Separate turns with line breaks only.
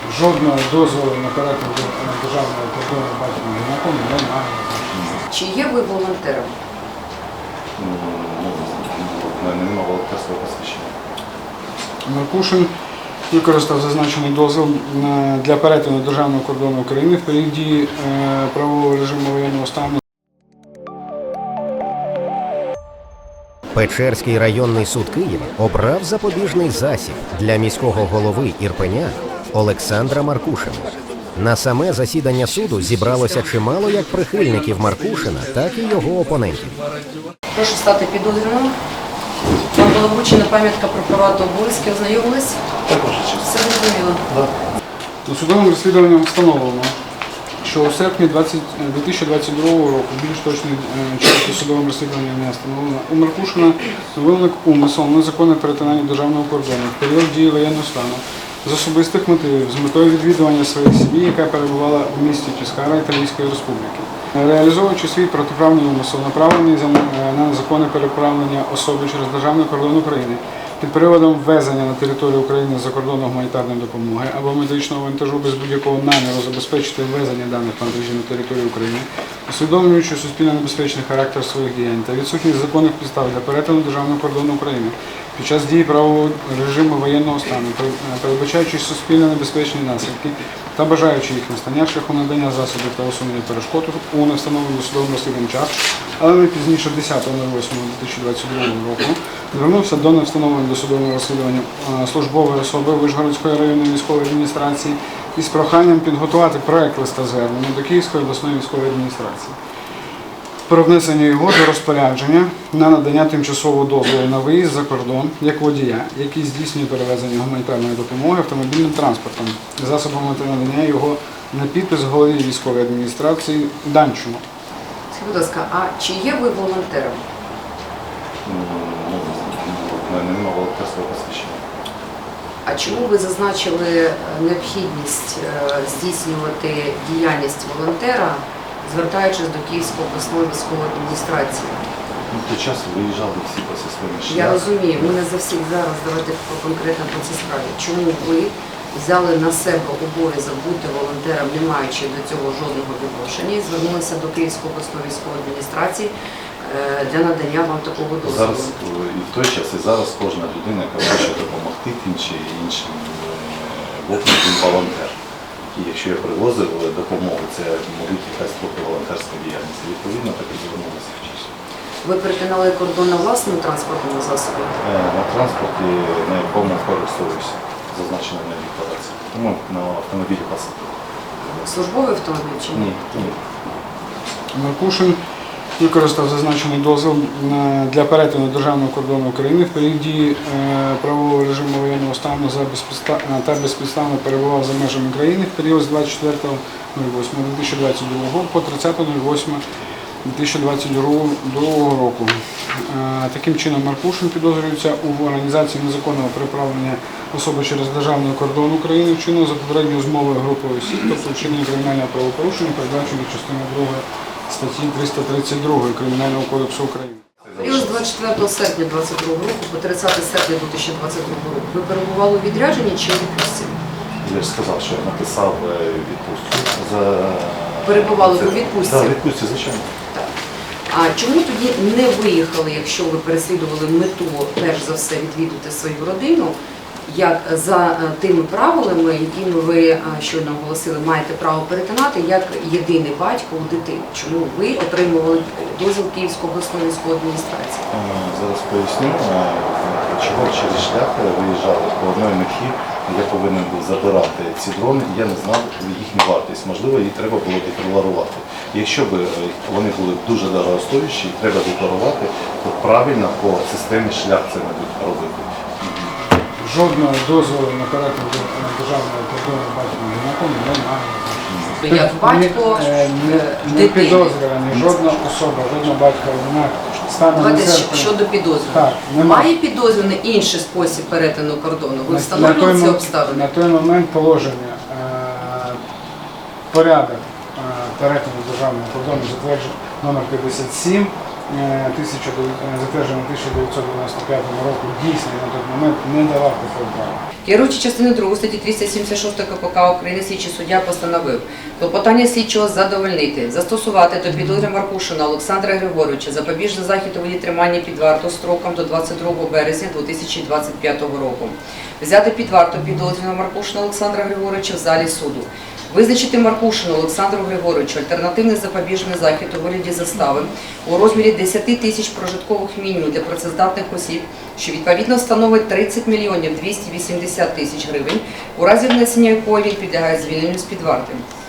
Жодного дозволу на перетин державного кордону батьком гінаком немає.
Чи є ви волонтером?
У мене немає волонтерського посвідчення.
Маркушин використав зазначений дозвіл для перетину державного кордону України в період дії правового режиму воєнного стану.
Печерський районний суд Києва обрав запобіжний засіб для міського голови Ірпеня Олександра Маркушина. На саме засідання суду зібралося чимало як прихильників Маркушина, так і його опонентів.
Прошу стати підозрюваним. Вам була вручена пам'ятка про права та обов'язки. Ознайомились?
Також.
Все зрозуміло.
У судовому розслідуванні встановлено, що у серпні 2022 року, більш точний час судового розслідування не встановлено, у Маркушина виник умисел незаконне перетинання державного кордону в період дії воєнного стану з особистих мотивів, з метою відвідування своєї сім'ї, яка перебувала в місті Піскара Італійської Республіки. Реалізовуючи свій протиправний умисел, направлений на незаконне переправлення особи через державний кордон України під приводом ввезення на територію України закордонної гуманітарної допомоги або медичного вантажу без будь-якого наміру забезпечити ввезення даних вантажів на територію України, усвідомлюючи суспільно небезпечний характер своїх діянь та відсутність законних підстав для перетину державного кордону України під час дії правового режиму воєнного стану, передбачаючи суспільно небезпечні наслідки та бажаючи їх настання шляхом надання засобів та усунення перешкод у невстановленому судовому розслідуванні час, але не пізніше 10.08.2022 року, звернувся до невстановленого досудового розслідування службової особи Вишгородської районної військової адміністрації із проханням підготувати проект листа звернення до Київської обласної військової адміністрації про внесення його до розпорядження на надання тимчасового дозволу на виїзд за кордон як водія, який здійснює перевезення гуманітарної допомоги автомобільним транспортом, засобами та надання його на підпис голові військової адміністрації Данчуну.
Скажіть, будь ласка, а чи є ви волонтером?
У мене немає волонтерського посвідчення.
А чому ви зазначили необхідність здійснювати діяльність волонтера, звертаючись до Київської обласної військової адміністрації?
Той час виїжджали всі по своїм шляхам.
Я розумію, ми не за всіх зараз, давайте конкретно по цій справі. Чому ви взяли на себе обов'язок бути волонтером, не маючи до цього жодного відношення, і звернулися до Київської обласної військової адміністрації для надання вам такого дозволу?
Зараз і в той час, і зараз кожна людина, яка хоче допомогти тим чи іншим вовкам, він волонтер. І якщо я привозив допомогу, це мабуть якась трохи волонтерська діяльність. Відповідно, так і звернулися в часі.
Ви перетинали кордон на власному транспортному засобі?
На транспорті, на якому користуюся, зазначено на декларації. Тому на автомобілі пасажирів.
Службовий автомобіль чи ні?
Ні.
Маркушин використав зазначений дозвіл для перетину державного кордону України в період дії правового режиму воєнного стану та безпідставно перебував за межами країни в період з 24.08.2022 по 30.08.2022 року. Таким чином, Маркушин підозрюється у організації незаконного переправлення особи через державний кордон України, вчинено за попередньою змовою групою осіб, тобто вчинення кримінального правопорушення, передбаченого частиною 2 статті 332 Кримінального кодексу України.
Період з 24 серпня 2022 року по 30 серпня 2022 року ви перебували у відрядженні чи у відпустці?
Я ж сказав, що я написав відпустку.
Перебували у відпустці?
Так, відпустці, звичайно.
Так. А чому тоді не виїхали, якщо ви переслідували мету, перш за все, відвідати свою родину, як за тими правилами, якими ви щойно оголосили, маєте право перетинати, як єдиний батько у дитини? Чому ви отримували дозвіл Київської обласної військової адміністрації?
Зараз поясню, чого через шлях виїжджали по одній меті. Я повинен був забирати ці дрони, і я не знав їхню вартість. Можливо, її треба було декларувати. Якщо б вони були дуже дорогостоящі, і треба декларувати, то правильно по системі шлях це не будуть робити.
Жодного дозволу на перетин державного кордону батьком гінаком немає.
Як батько
не підозрюваний, жодна особа, жодна батька гінак станом на
Давайте
серпень.
щодо підозрюваного.
Так, немає.
Має підозрюваний інший спосіб перетину кордону? Ви встановлювали ці обставини?
На той момент положення, порядок перетину державного кордону затверджений номер 57 затверджений 1995 року, дійсний на той момент не давав такого права.
Керуючи частиною 2 статті 276 КПК України, слідчий суддя постановив клопотання слідчого задовольнити, застосувати до підозри Маркушина Олександра Григоровича запобіжний захід у виді тримання під варту строком до 22 березня 2025 року, взяти під варту підозрюваного Маркушина Олександра Григоровича в залі суду, визначити Маркушину Олександру Григоровичу альтернативний запобіжний захід у вигляді застави у розмірі 10 тисяч прожиткових мінімумів для працездатних осіб, що відповідно становить 30 мільйонів 280 тисяч гривень, у разі внесення якої він підлягає звільненню з-під варти.